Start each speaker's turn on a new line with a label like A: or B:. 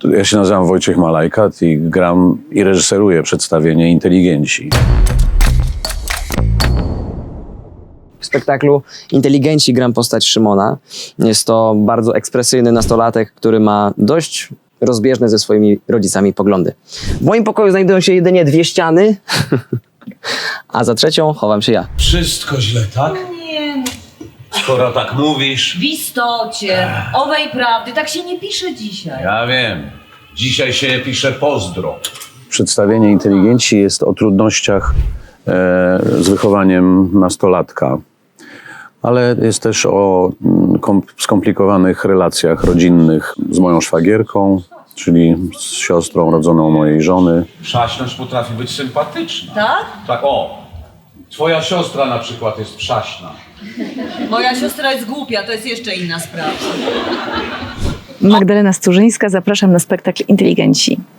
A: Ja się nazywam Wojciech Malajkat i gram i reżyseruję przedstawienie Inteligenci.
B: W spektaklu Inteligenci gram postać Szymona. Jest to bardzo ekspresyjny nastolatek, który ma dość rozbieżne ze swoimi rodzicami poglądy. W moim pokoju znajdują się jedynie 2 ściany, a za trzecią chowam się ja.
C: Wszystko źle, tak?
D: Nie,
C: Skoro tak mówisz.
D: w istocie, owej prawdy, tak się nie pisze dzisiaj.
C: Ja wiem. Dzisiaj się pisze pozdro.
A: Przedstawienie Inteligenci jest o trudnościach z wychowaniem nastolatka, ale jest też o skomplikowanych relacjach rodzinnych z moją szwagierką, czyli z siostrą rodzoną mojej żony.
C: Przaśność potrafi być sympatyczna.
D: Tak?
C: Tak, o. Twoja siostra na przykład jest przaśna.
D: Moja siostra jest głupia, to jest jeszcze inna sprawa.
E: Magdalena Sturzyńska, zapraszam na spektakl Inteligenci.